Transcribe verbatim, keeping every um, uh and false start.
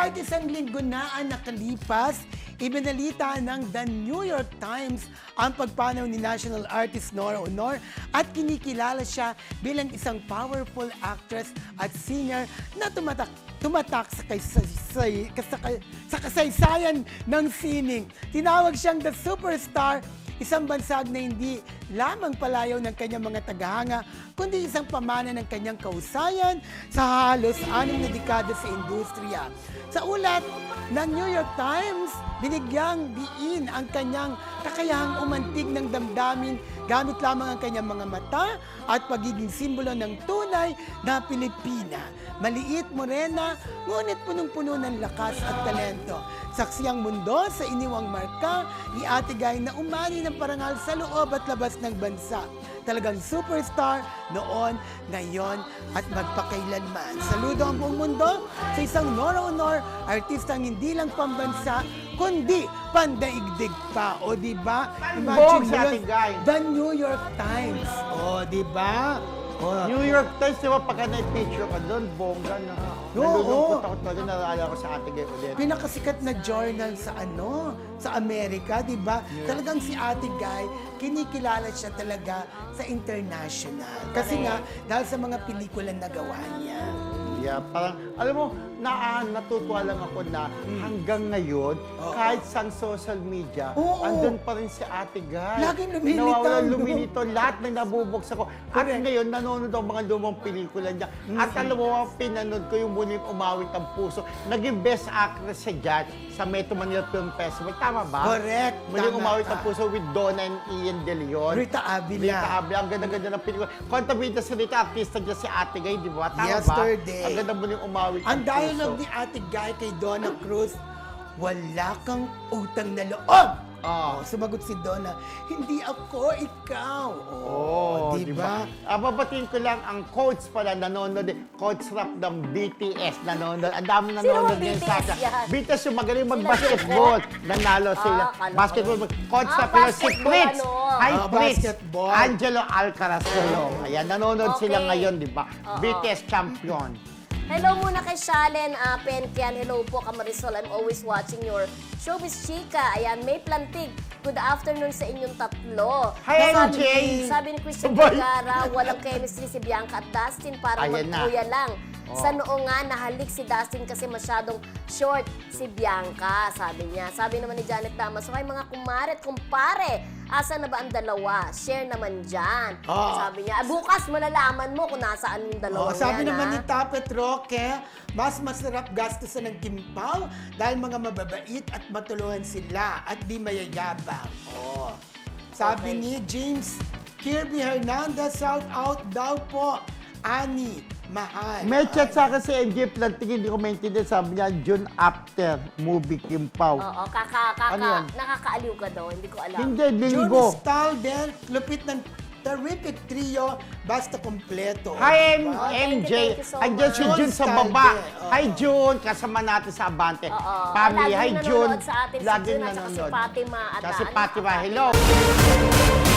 Kahit isang linggo na ang nakalipas, ibinalita ng The New York Times ang pagpanaw ni national artist Nora Aunor at kinikilala siya bilang isang powerful actress at singer na tumatak tumatak sa, kaysay, sa, sa kasaysayan ng sining. Tinawag siyang the superstar, isang bansag na hindi lamang palayaw ng kanyang mga tagahanga, kundi isang pamana ng kanyang kausayan sa halos anim na dekada sa industriya. Sa ulat ng New York Times, binigyang diin ang kanyang kakayahang umantig ng damdamin gamit lamang ang kanyang mga mata at pagiging simbolo ng tunay na Pilipina. Maliit, morena, ngunit punong-puno ng lakas at talento. Saksi ang mundo sa iniwang marka ni Ate Guy na umani ng parangal sa loob at labas ng bansa. Talagang superstar noon, ngayon at magpakailanman. Saludo ang buong mundo sa isang Nora Aunor, artistang hindi lang pambansa, kundi pandaigdig pa. O di ba? Bong sa Ate Guy. The New York Times. O di ba? O, New York Times, di ba, pagka na-picture ka doon, bongga na. Oo. Nalulungkot ako talaga, naalala ko sa Ate Guy ulit. pinakasikat na journal sa ano, sa Amerika, di ba? Talagang si Ate Guy, kinikilala siya talaga sa international. Kasi nga, dahil sa mga pelikula na gawa niya. Yeah, parang, alam mo, na, natutuwa lang ako na hanggang ngayon, Oo. kahit sa social media, Oo. andun pa rin si Ate Guy. Laging lumilitaw, Nawawalan no? lumilitaw, lahat ng nabubuksan ko. At Correct. ngayon, nanonood ang mga lumang pelikula niya. At alam mo, ang pinanood ko yung muling umawit ang puso. Naging best actress siya dyan sa Metro Manila Film Festival. Tama ba? Correct. Muling Tama umawit ka. ang puso with Donna and Ian De Leon. Rita Avila. Rita Avila. Ang ganda-ganda ng pelikula. Kontabida si Rita, artista dyan si Ate Guy, di ba? Tama Yesterday. ba? Ang ganda muling umawit Ang ang dialogue puso. ni Ate Guy kay Donna Cruz, wala kang utang na loob. Ah. Oh, sumagot si Donna, hindi ako, ikaw. Oh, di ba? Ah, babatiin ko lang ang coach pala nanonood din. Coach rap ng B T S nanonood. Ang dami nanonood Sino din ang sa B T S yan? B T S yung magaling mag-basketball. Nanalo sila. Ah, kala ko. Basketball. Coach Ah, rap pero si basketball, Fritz. ano? Hi, Ah, Fritz. basketball. Angelo Alcaraz. Ayan, nanonood Okay. sila ngayon, di ba? Oo. B T S champion. Hello muna kay Shalen uh, Penkian. Hello po, Kamarisol. I'm always watching your Showbiz Chika. Ayan, May Plantig. Good afternoon sa inyong tatlo. Hi, sabi, M J. sabi ni Christian Sabay. Vergara, walang chemistry si Bianca at Dustin. Parang Ayan na. magkuya lang. Oh. Sa noo nga, nahalik si Dustin kasi masyadong short si Bianca, sabi niya. Sabi naman ni Janet Damas, so, mga kumare at kumpare, asa na ba ang dalawa? Share naman dyan. Oo. Sabi niya, "Ah, bukas malalaman mo kung nasaan yung dalawa Oh, sabi yan, naman ha?" ni Tapet Roque, mas masarap gastusan ng kimpaw dahil mga mababait at matulungan sila at di mayayabang. Oh. Sabi Okay. ni James Kirby Hernandez, shout out daw po. Ani, mahal. May chat sa akin si M J Plantig, hindi ko maintindihan. Sabi niya, June after movie Kim Pao. Oo, kaka, kaka, Ano yan? nakakaaliw ka daw, hindi ko alam. Hindi, June linggo. Stalder, lupit ng terrific trio, basta kompleto. Hi, M Diba? M J. Thank you so Andiyan si much. June sa June baba. Stalder, oo. Hi, June. Kasama natin sa Abante. Oo. Family. Hi, Laging June. nanonood sa atin si Laging June at saka si nanonood. Fatima at Kasi ano, Fatima, Fatima. hello.